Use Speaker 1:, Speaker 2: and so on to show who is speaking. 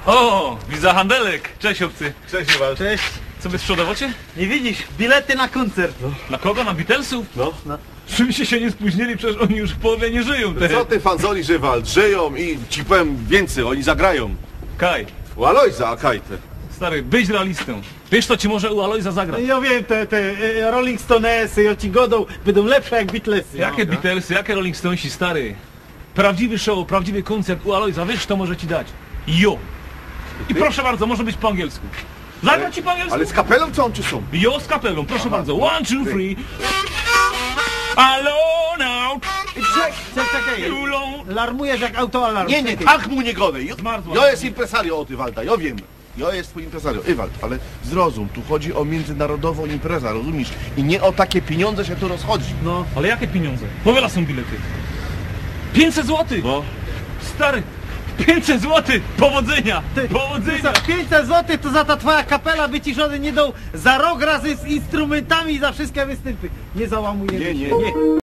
Speaker 1: O, widzę handelek. Cześć obcy.
Speaker 2: Cześć, Iwan.
Speaker 3: Cześć.
Speaker 1: Co wy sprzedawacie?
Speaker 3: Nie widzisz, bilety na koncert.
Speaker 1: Na kogo? Na Beatlesów?
Speaker 2: No.
Speaker 1: Czym się nie spóźnili, przecież oni już w połowie nie żyją. Te.
Speaker 2: Co ty fanzoli, Żywald? Żyją i ci powiem więcej, oni zagrają.
Speaker 1: Kaj,
Speaker 2: U Alojza, a Kajte.
Speaker 1: stary, być realistą. Wiesz, to ci może u Alojza zagrać.
Speaker 3: Ja wiem, te Rolling Stonesy i ci godą będą lepsze jak Beatlesy.
Speaker 1: Jakie Beatlesy, jakie Rolling Stonesi, stary? Prawdziwy show, prawdziwy koncert u Alojza, wiesz, to może ci dać. Jo. I proszę bardzo, może być po angielsku. Zagra ci po angielsku?
Speaker 2: Ale z kapelą co on czy są?
Speaker 1: Jo, z kapelą, proszę bardzo. 1, 2, 3. Alone out.
Speaker 3: Czekaj,
Speaker 1: Too long.
Speaker 3: larmujesz jak autoalarm.
Speaker 2: Nie, nie, tak mu nie godaj.
Speaker 1: Zmarzła.
Speaker 2: Ja jest impresario od Iwalda, ja wiem. Ja jest twój impresario, Iwald, ale zrozum, tu chodzi o międzynarodową imprezę, rozumiesz? I nie o takie pieniądze się tu rozchodzi.
Speaker 3: No.
Speaker 1: Ale jakie pieniądze? Powiela są bilety. 500 zł.
Speaker 2: No.
Speaker 1: Stary, 500 zł. Powodzenia.
Speaker 3: Ty
Speaker 1: Powodzenia.
Speaker 3: za 500 zł to za ta twoja kapela by ci żony nie dał za rok razy z instrumentami i za wszystkie występy. Nie załamujemy
Speaker 2: Nie,
Speaker 3: się.
Speaker 2: nie.